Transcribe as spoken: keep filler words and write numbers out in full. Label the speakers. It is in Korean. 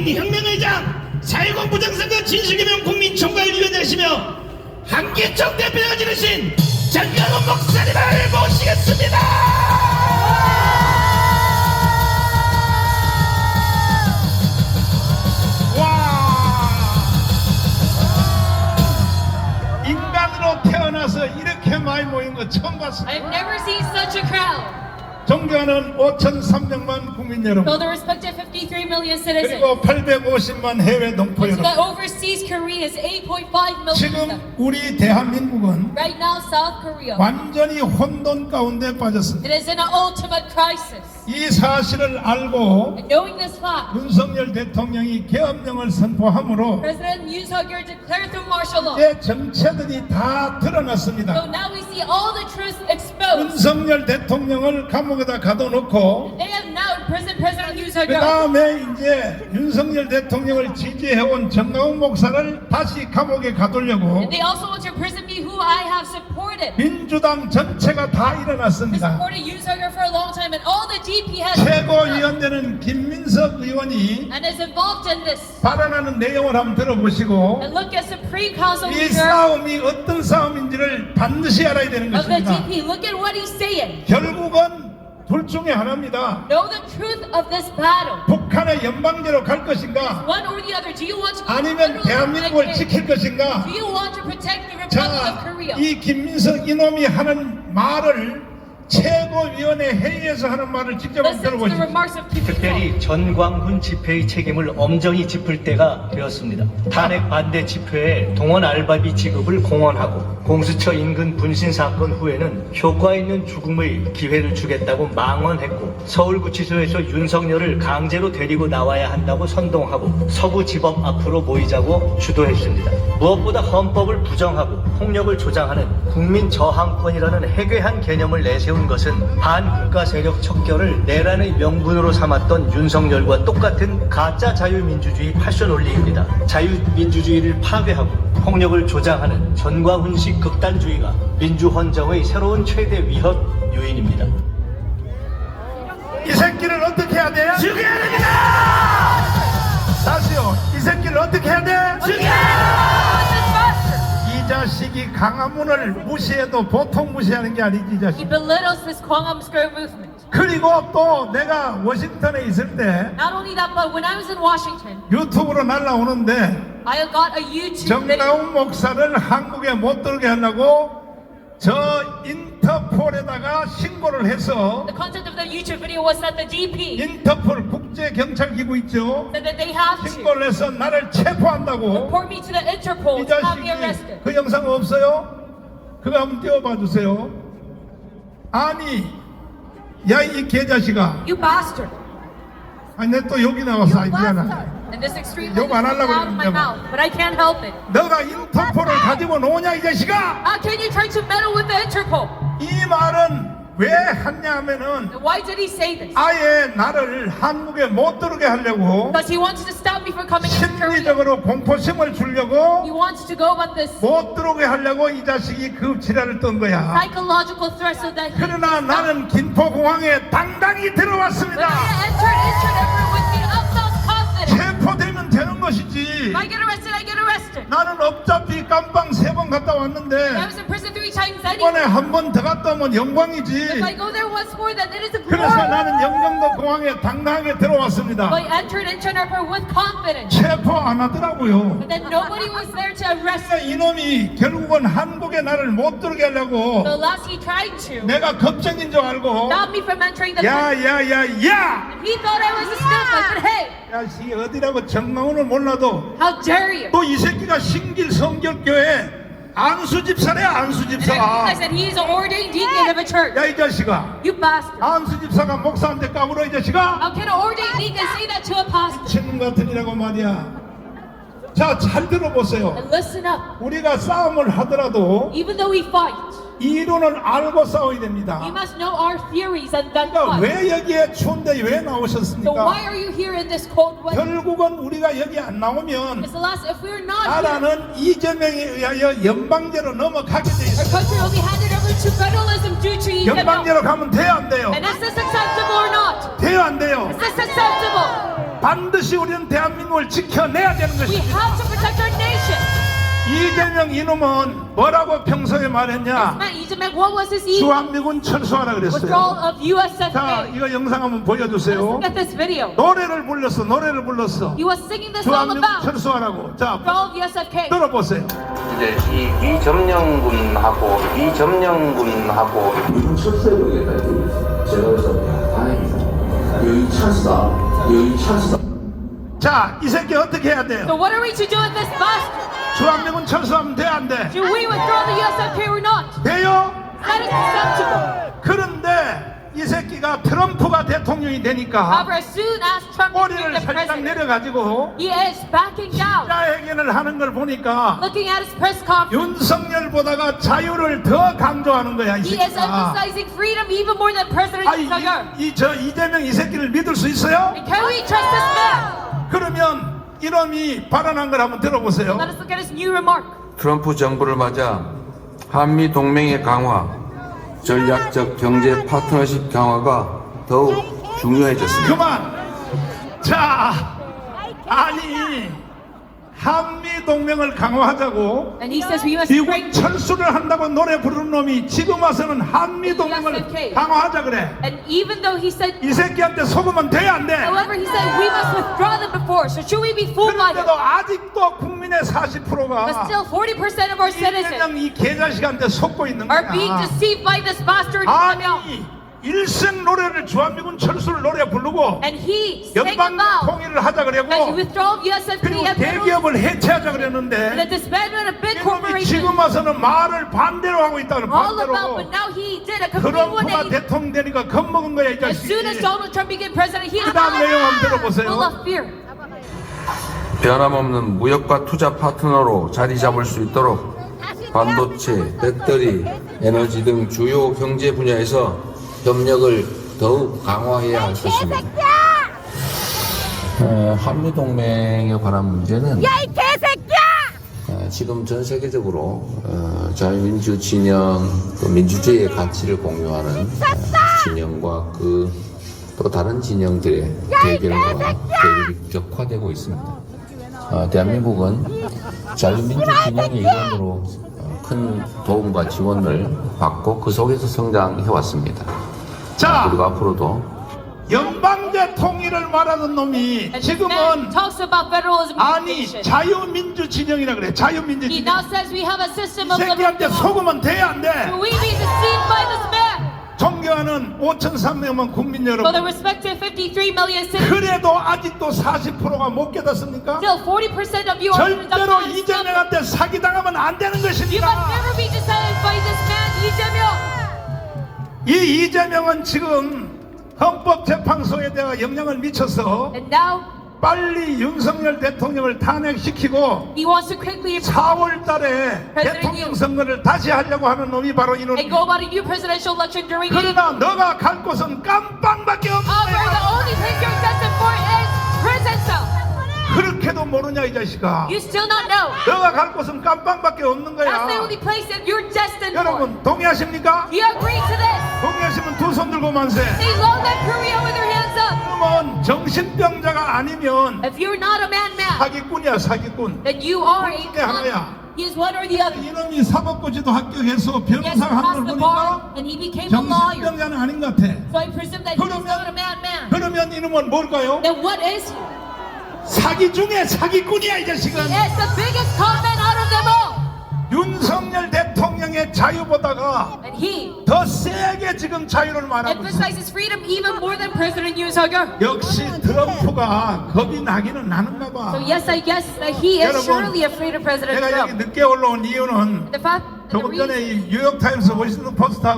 Speaker 1: 국민혁명의 장 사회공 부정선거 진실규명 국민총괄위원장이시며 한기총 대표가 지르신 정강훈 목사님을 모시겠습니다.
Speaker 2: 인간으로 태어나서 이렇게 많이 모인 거 처음 봤습니다.
Speaker 3: I've never seen such a crowd.
Speaker 2: 존경하는 오천삼백만 국민 여러분,
Speaker 3: So the respective fifty-three million citizens.
Speaker 2: 그리고 팔백오십만 해외 동포
Speaker 3: And to
Speaker 2: 여러분,
Speaker 3: the overseas Korea's eight point five million.
Speaker 2: 지금 우리 대한민국은
Speaker 3: Right now, South Korea.
Speaker 2: 완전히 혼돈 가운데 빠졌습니다.
Speaker 3: It is in an ultimate crisis.
Speaker 2: 이 사실을 알고
Speaker 3: And knowing this fact,
Speaker 2: 윤석열 대통령이 계엄령을 선포함으로
Speaker 3: President Yoon Suk-yeol declared through martial law.
Speaker 2: 이제 정체들이 다
Speaker 3: So
Speaker 2: 드러났습니다.
Speaker 3: now we see all the truth exposed.
Speaker 2: 윤석열 대통령을 감옥에다 가둬놓고
Speaker 3: They have now imprisoned President Yoon
Speaker 2: 그
Speaker 3: Suk-yeol.
Speaker 2: 다음에 이제 윤석열 대통령을 지지해온 정강훈 목사를 다시 감옥에 가두려고
Speaker 3: And they also want to imprison me, who I have supported.
Speaker 2: 민주당 전체가 다
Speaker 3: I
Speaker 2: 일어났습니다.
Speaker 3: supported Yoon Suk-yeol for a long time, and all the D P has
Speaker 2: 최고위원되는 김민석 의원이
Speaker 3: and is involved in this.
Speaker 2: 발언하는 내용을 한번 들어보시고
Speaker 3: And look at Supreme Council
Speaker 2: 이
Speaker 3: leader
Speaker 2: 싸움이 어떤 싸움인지를 반드시 알아야 되는
Speaker 3: of the
Speaker 2: 것입니다.
Speaker 3: D P. Look at what he's saying.
Speaker 2: 결국은 둘 중에 하나입니다.
Speaker 3: Know the truth of this battle.
Speaker 2: 북한의 연방제로 갈 것인가,
Speaker 3: One or the other. Do you want to go
Speaker 2: 아니면
Speaker 3: federal or
Speaker 2: 대한민국을
Speaker 3: protect
Speaker 2: 지킬 것인가.
Speaker 3: it? Do you want to protect the Republic of
Speaker 2: 자,
Speaker 3: Korea?
Speaker 2: 이 김민석 이놈이 하는 말을 최고위원회 회의에서 하는 말을 직접 한번
Speaker 3: Listen to the
Speaker 2: 들어보십시오.
Speaker 3: remarks of Kim
Speaker 4: 특별히 전광훈 집회의 책임을 엄정히 짚을 때가 되었습니다. 탄핵 반대 집회에 동원 알바비 지급을 공언하고 공수처 인근 분신 사건 후에는 효과 있는 죽음의 기회를 주겠다고 망언했고 서울구치소에서 윤석열을 강제로 데리고 나와야 한다고 선동하고 서구지법 앞으로 모이자고 주도했습니다. 무엇보다 헌법을 부정하고 폭력을 조장하는 국민 저항권이라는 해괴한 개념을 내세운 것은 반국가 세력 척결을 내란의 명분으로 삼았던 윤석열과 똑같은 가짜 자유민주주의 패션 논리입니다. 자유민주주의를 파괴하고 폭력을 조장하는 전광훈식 극단주의가 민주헌정의 새로운 최대 위협 요인입니다.
Speaker 2: 이 새끼를 어떻게 해야 돼?
Speaker 1: 죽여야 됩니다.
Speaker 2: 다시요. 이 새끼를 어떻게 해야 돼?
Speaker 1: 죽여야
Speaker 2: 이 자식이 강화문을 무시해도 보통 무시하는 게 아니지, 이
Speaker 3: He
Speaker 2: 자식.
Speaker 3: belittles this Kwangham Square movement.
Speaker 2: 그리고 또 내가 워싱턴에 있을 때
Speaker 3: Not only that, but when I was in Washington,
Speaker 2: 유튜브로 날라오는데
Speaker 3: I got a YouTube video.
Speaker 2: 정강훈 목사를 한국에 못 들게 하려고 저 인터폴에다가 신고를 해서,
Speaker 3: The content of the YouTube video was that the D P
Speaker 2: 인터폴 국제경찰기구 있죠,
Speaker 3: said that they have to
Speaker 2: 신고를 해서 나를 체포한다고.
Speaker 3: report me to the Interpol
Speaker 2: 이
Speaker 3: to have me
Speaker 2: 자식이
Speaker 3: arrested.
Speaker 2: 그 영상 없어요? 그거 한번 띄워봐 주세요. 아니, 야 이 개자식아,
Speaker 3: You bastard.
Speaker 2: 아니 내 또 여기 나와서 아이 미안하다.
Speaker 3: And this extreme
Speaker 2: 욕
Speaker 3: language
Speaker 2: 안
Speaker 3: is
Speaker 2: 하려고
Speaker 3: out of my
Speaker 2: 그러는데 뭐.
Speaker 3: mouth, but I can't help it.
Speaker 2: 너가 인터폴을 가지고 노냐 이 자식아.
Speaker 3: How can you try to meddle with the Interpol?
Speaker 2: 이 말은 왜 했냐 하면은
Speaker 3: And why did he say this?
Speaker 2: 아예 나를 한국에 못 들어게 하려고,
Speaker 3: Because he wanted to stop me from coming into Korea.
Speaker 2: 심리적으로 공포심을
Speaker 3: He
Speaker 2: 주려고,
Speaker 3: wants to go about this
Speaker 2: 못 들어오게 하려고 이 자식이 그 지랄을 떤 거야.
Speaker 3: psychological threat so that he
Speaker 2: 그러나 나는 김포공항에 당당히
Speaker 3: But
Speaker 2: 들어왔습니다.
Speaker 3: I entered into Denver with the utmost confidence.
Speaker 2: 체포되면 되는 것이지.
Speaker 3: If I get arrested, I get arrested.
Speaker 2: 나는 어차피 깜빵 세 번 갔다
Speaker 3: I
Speaker 2: 왔는데
Speaker 3: was in prison three times
Speaker 2: 이번에
Speaker 3: anyway.
Speaker 2: 한 번 더 갔다 오면
Speaker 3: If I
Speaker 2: 영광이지.
Speaker 3: go there once more, then it is a
Speaker 2: 그래서
Speaker 3: glory.
Speaker 2: 나는 영종도 공항에 당당하게 들어왔습니다.
Speaker 3: But I entered into an airport with confidence.
Speaker 2: 체포 안 하더라고요.
Speaker 3: But then nobody was there to arrest
Speaker 2: 그러니까
Speaker 3: me.
Speaker 2: 이놈이 결국은 한국에 나를 못 들게 하려고
Speaker 3: The last he tried to
Speaker 2: 내가 겁쟁인 줄 알고
Speaker 3: stop me from entering the country.
Speaker 2: 야야야야
Speaker 3: He thought I was a snuff. I said, hey,
Speaker 2: 야씨 어디라고 정강훈을 몰라도
Speaker 3: how dare you?
Speaker 2: 또 이 새끼가 신길 성결교회 안수 집사래 안수
Speaker 3: And
Speaker 2: 집사.
Speaker 3: I said, he is an ordained deacon of a church.
Speaker 2: 야 이 자식아,
Speaker 3: You bastard.
Speaker 2: 안수 집사가 목사한테 까불어 이 자식아.
Speaker 3: How can an ordained deacon say that to a pastor?
Speaker 2: 친구 같으니라고 말이야. 자, 잘 들어보세요.
Speaker 3: And listen up.
Speaker 2: 우리가 싸움을 하더라도
Speaker 3: Even though we fight,
Speaker 2: 이론을 알고 싸워야 됩니다.
Speaker 3: we must know our theories and then
Speaker 2: 그러니까
Speaker 3: fight.
Speaker 2: 왜 여기에 추운데 왜
Speaker 3: So
Speaker 2: 나오셨습니까?
Speaker 3: why are you here in this cold weather?
Speaker 2: 결국은 우리가 여기 안 나오면
Speaker 3: Because the last, if we're not here,
Speaker 2: 나라는 이재명에 의하여 연방제로 넘어가게 돼
Speaker 3: our
Speaker 2: 있어요.
Speaker 3: country will be handed over to federalism due to Lee Jae-myung.
Speaker 2: 연방제로 가면 돼요 안 돼요?
Speaker 3: And is this acceptable or not?
Speaker 2: 돼요 안 돼요?
Speaker 3: Is this acceptable?
Speaker 2: 반드시 우리는 대한민국을 지켜내야 되는
Speaker 3: We
Speaker 2: 것입니다.
Speaker 3: have to protect our nation.
Speaker 2: 이재명 이놈은 뭐라고 평소에 말했냐?
Speaker 3: Man, Ijemek, what was his evil?
Speaker 2: 주한미군 철수하라
Speaker 3: Withdrawal
Speaker 2: 그랬어요.
Speaker 3: of U S F
Speaker 2: 자,
Speaker 3: K.
Speaker 2: 이거 영상 한번 보여주세요.
Speaker 3: Look at this video.
Speaker 2: 노래를 불렀어, 노래를 불렀어.
Speaker 3: He was singing this song
Speaker 2: 주한미군
Speaker 3: about
Speaker 2: 철수하라고. 자,
Speaker 3: withdrawal of U S F K.
Speaker 2: 들어보세요.
Speaker 5: 이제 이 미점령군하고 미점령군하고
Speaker 6: 미군 철수해버리겠다 이렇게 제가 그래서 야 다행이다 여기 찬스다 여기 찬스다
Speaker 2: 자, 이 새끼 어떻게 해야 돼요?
Speaker 3: So what are we to do with this bastard?
Speaker 2: 주한미군 철수하면 돼, 안 돼?
Speaker 3: Do we withdraw the U S F K or not?
Speaker 2: 돼요?
Speaker 3: That is acceptable.
Speaker 2: 그런데 이 새끼가 트럼프가 대통령이 되니까
Speaker 3: However, as soon as Trump
Speaker 2: 꼬리를
Speaker 3: became the
Speaker 2: 살짝
Speaker 3: president,
Speaker 2: 내려가지고
Speaker 3: he is backing down.
Speaker 2: 자회견을 하는 걸 보니까
Speaker 3: Looking at his press conference,
Speaker 2: 윤석열보다가 자유를 더 강조하는 거야, 이
Speaker 3: he is
Speaker 2: 새끼가.
Speaker 3: emphasizing freedom even more than President
Speaker 2: 아니,
Speaker 3: Yoon Suk-yeol.
Speaker 2: 이, 이, 저 이재명 이 새끼를 믿을 수 있어요?
Speaker 3: Can we trust this man?
Speaker 2: 그러면 이놈이 발언한 걸 한번 들어보세요.
Speaker 3: Let us look at his new remark.
Speaker 7: 트럼프 정부를 맞아 한미 동맹의 강화, 전략적 경제 파트너십 강화가 더욱 중요해졌습니다.
Speaker 2: 그만. 자, 아니 한미 동맹을 강화하자고
Speaker 3: And he says we must
Speaker 2: 미국
Speaker 3: bring
Speaker 2: 철수를 한다고 노래 부르는 놈이 지금 와서는 한미 동맹을 강화하자 그래.
Speaker 3: And even though he said,
Speaker 2: 이 새끼한테 속으면 돼, 안 돼?
Speaker 3: however, he said we must withdraw them before. So should we be fooled by them?
Speaker 2: 그런데도 아직도 국민의 사십
Speaker 3: But
Speaker 2: 퍼센트가
Speaker 3: still, forty percent of our citizens
Speaker 2: 이재명 이 개자식한테 속고 있는
Speaker 3: are being
Speaker 2: 거야.
Speaker 3: deceived by this bastard. Lee Jae-myung.
Speaker 2: 아니 일생 노래를 주한미군 철수를 노래 부르고
Speaker 3: And he sang
Speaker 2: 연방
Speaker 3: about
Speaker 2: 통일을 하자
Speaker 3: that the
Speaker 2: 그러고
Speaker 3: withdrawal of U S F K
Speaker 2: 그리고
Speaker 3: and federal-
Speaker 2: 대기업을 해체하자
Speaker 3: and the
Speaker 2: 그랬는데
Speaker 3: disbandment of big
Speaker 2: 이놈이
Speaker 3: corporations.
Speaker 2: 지금 와서는 말을 반대로 하고 있다는
Speaker 3: All about,
Speaker 2: 반대로.
Speaker 3: but now he did a complete one
Speaker 2: 트럼프가
Speaker 3: eighty.
Speaker 2: 대통령 되니까 겁먹은 거야 이
Speaker 3: As soon as
Speaker 2: 자식이.
Speaker 3: Donald Trump became president, he
Speaker 2: 그 다음 내용 한번 들어보세요.
Speaker 3: full of fear.
Speaker 7: 변함없는 무역과 투자 파트너로 자리 잡을 수 있도록 반도체, 배터리, 에너지 등 주요 경제 분야에서 협력을 더욱 강화해야 할 것입니다. 어, 한미 동맹에 관한 문제는 어, 지금 전 세계적으로 어, 자유민주 진영, 또 민주주의의 가치를 공유하는 어, 진영과 그 또 다른 진영들의 대결과 대립이 격화되고 있습니다. 어, 대한민국은 자유민주 진영의 일원으로 어, 큰 도움과 지원을 받고 그 속에서 성장해 왔습니다.
Speaker 2: 자,
Speaker 7: 그리고 앞으로도
Speaker 2: 연방제 통일을 말하는 놈이
Speaker 3: And this man
Speaker 2: 지금은
Speaker 3: talks about federalism in the
Speaker 2: 아니
Speaker 3: nation.
Speaker 2: 자유민주 진영이라 그래. 자유민주
Speaker 3: He
Speaker 2: 진영.
Speaker 3: now says we have a system
Speaker 2: 이
Speaker 3: of
Speaker 2: 새끼한테
Speaker 3: liberty.
Speaker 2: 속으면 돼, 안 돼?
Speaker 3: Will we be deceived by this man?
Speaker 2: 존경하는 오천삼백 만 국민
Speaker 3: For the
Speaker 2: 여러분,
Speaker 3: respective fifty-three million citizens,
Speaker 2: 그래도 아직도 사십 퍼센트가 못 깨닫습니까?
Speaker 3: still forty percent of you are
Speaker 2: 절대로 이재명한테 사기당하면 안 되는
Speaker 3: You must
Speaker 2: 것입니다.
Speaker 3: never be decided by this man, Lee Jae-myung.
Speaker 2: 이 이재명은 지금 헌법재판소에 대해 영향을 미쳐서
Speaker 3: And now
Speaker 2: 빨리 윤석열 대통령을 탄핵시키고
Speaker 3: he wants to quickly
Speaker 2: 사월 달에 대통령 선거를 다시 하려고 하는 놈이 바로
Speaker 3: and
Speaker 2: 이놈이.
Speaker 3: go about a new presidential election during April.
Speaker 2: 그러나 너가 갈 곳은 깜빵밖에 없는
Speaker 3: However, the
Speaker 2: 거야.
Speaker 3: only place you're destined for is prison cell.
Speaker 2: 그렇게도 모르냐 이 자식아.
Speaker 3: You still not know.
Speaker 2: 너가 갈 곳은 깜빵밖에 없는
Speaker 3: That's
Speaker 2: 거야.
Speaker 3: the only place that you're destined for.
Speaker 2: 여러분 동의하십니까?
Speaker 3: Do you agree to this?
Speaker 2: 동의하시면 두 손 들고 만세.
Speaker 3: Say long live Korea with your hands up.
Speaker 2: 그러면 정신병자가 아니면
Speaker 3: If you're not a man-man,
Speaker 2: 사기꾼이야 사기꾼.
Speaker 3: then you are a
Speaker 2: 둘 중에 하나야.
Speaker 3: con. He is one or the other.
Speaker 2: 이놈이 사법고시도 합격해서
Speaker 3: Yes, he
Speaker 2: 변호사 한
Speaker 3: passed
Speaker 2: 걸
Speaker 3: the
Speaker 2: 보니까
Speaker 3: bar and he became a lawyer.
Speaker 2: 정신병자는 아닌 것 같아.
Speaker 3: So I presume that he is not a madman.
Speaker 2: 그러면 이놈은 뭘까요?
Speaker 3: Then what is he?
Speaker 2: 사기 중에 사기꾼이야 이 자식은.
Speaker 3: He is the biggest con man out of them all.
Speaker 2: 윤석열 대통령의 자유보다가
Speaker 3: And he
Speaker 2: 더 세게 지금 자유를 말하고 있어.
Speaker 3: emphasizes freedom even more than President Yoon Suk-yeol.
Speaker 2: 역시 트럼프가 겁이 나기는 나는가 봐.
Speaker 3: So yes, I guess that he is
Speaker 2: 여러분,
Speaker 3: surely afraid of President
Speaker 2: 내가 여기
Speaker 3: Trump.
Speaker 2: 늦게 올라온 이유는
Speaker 3: The fact, the
Speaker 2: 조금 전에
Speaker 3: reason
Speaker 2: 이 뉴욕타임스 워싱턴 포스트